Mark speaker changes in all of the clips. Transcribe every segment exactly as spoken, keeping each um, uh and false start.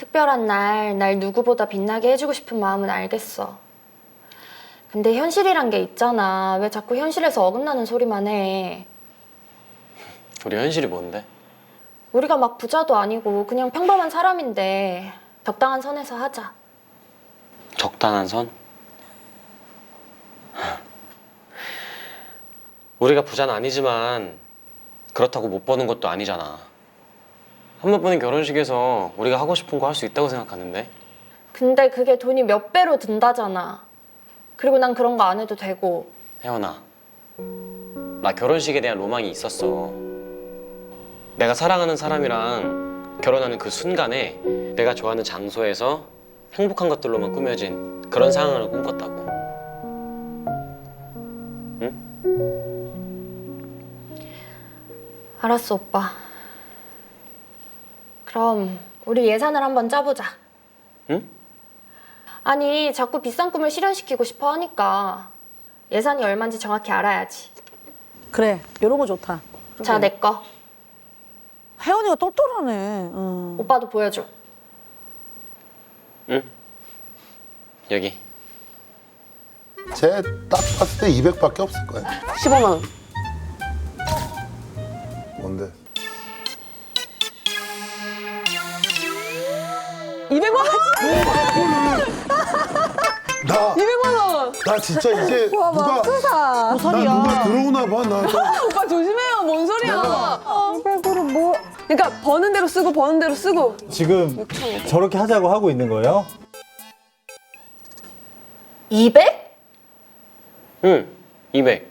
Speaker 1: 특별한 날, 날 누구보다 빛나게 해주고 싶은 마음은 알겠어. 근데 현실이란 게 있잖아. 왜 자꾸 현실에서 어긋나는 소리만 해.
Speaker 2: 우리 현실이 뭔데?
Speaker 1: 우리가 막 부자도 아니고 그냥 평범한 사람인데 적당한 선에서 하자.
Speaker 2: 적당한 선? 우리가 부자는 아니지만 그렇다고 못 버는 것도 아니잖아. 한 번 보는 결혼식에서 우리가 하고 싶은 거 할 수 있다고 생각하는데.
Speaker 1: 근데 그게 돈이 몇 배로 든다잖아. 그리고 난 그런 거 안 해도 되고.
Speaker 2: 혜원아, 나 결혼식에 대한 로망이 있었어. 내가 사랑하는 사람이랑 결혼하는 그 순간에 내가 좋아하는 장소에서 행복한 것들로만 꾸며진 그런 상황을 꿈꿨다고. 응?
Speaker 1: 알았어, 오빠. 그럼 우리 예산을 한번 짜보자.
Speaker 2: 응?
Speaker 1: 아니, 자꾸 비싼 꿈을 실현시키고 싶어 하니까 예산이 얼마인지 정확히 알아야지.
Speaker 3: 그래, 이런 거 좋다.
Speaker 1: 자, 내 거.
Speaker 3: 혜원이가 똘똘하네. 응.
Speaker 1: 오빠도 보여줘.
Speaker 2: 응? 여기.
Speaker 4: 쟤 딱 봤을 때 이백밖에 없을 거야.
Speaker 3: 십오만 원.
Speaker 4: 뭔데?
Speaker 3: 이백만 원?
Speaker 4: 나,
Speaker 3: 이백만 원!
Speaker 4: 나 진짜 이제
Speaker 3: 와,
Speaker 4: 누가,
Speaker 3: 맙소사. 뭔
Speaker 4: 나
Speaker 3: 소리야.
Speaker 4: 누가 들어오나 봐. 나 또.
Speaker 3: 오빠 조심해요. 뭔 소리야. 이백으로 뭐. 그러니까 버는 대로 쓰고 버는 대로 쓰고.
Speaker 5: 지금 저렇게 하자고 하고 있는 거예요?
Speaker 1: 이백?
Speaker 2: 응, 이백.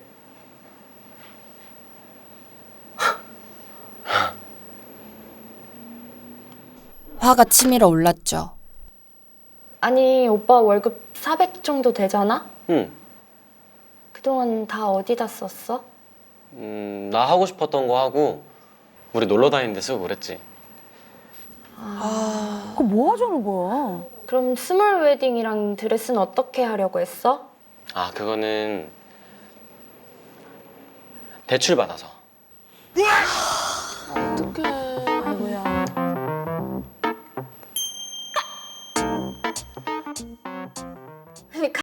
Speaker 6: 화가 치밀어 올랐죠.
Speaker 1: 아니, 오빠 월급 사백 정도 되잖아?
Speaker 2: 응.
Speaker 1: 그동안 다 어디다 썼어?
Speaker 2: 음, 나 하고 싶었던 거 하고 우리 놀러 다니는 데 쓰고 그랬지.
Speaker 3: 그거 뭐 하자는 거야?
Speaker 1: 그럼 스몰 웨딩이랑 드레스는 어떻게 하려고 했어?
Speaker 2: 아, 그거는 대출 받아서.
Speaker 3: 어떡해.